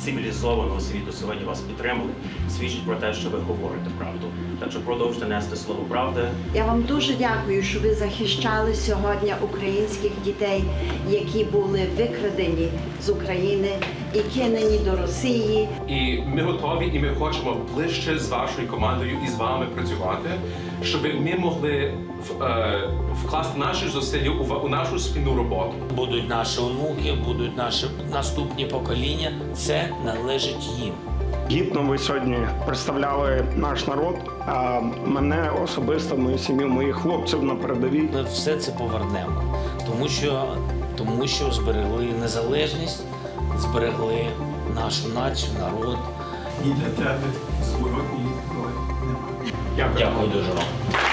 цивілізованого світу сьогодні вас підтримали, свідчить про те, що ви говорите правду. Так що продовжуйте нести слово правди. Я вам дуже дякую, що ви захищали сьогодні українських дітей, які були викрадені з України і кинені до Росії. І ми готові, і ми хочемо ближче з вашою командою і з вами працювати, щоб ми могли вкласти наші зусилля у нашу спільну роботу. Будуть наші онуки, будуть наші наступні покоління. Це належить їм. Гідно ви сьогодні представляли наш народ, а мене особисто, мою сім'ю, моїх хлопців на передовій. Ми все це повернемо, тому що зберегли незалежність, зберегли нашу націю, народ. І для тебе зворотній відповіді немає. Дякую дуже вам.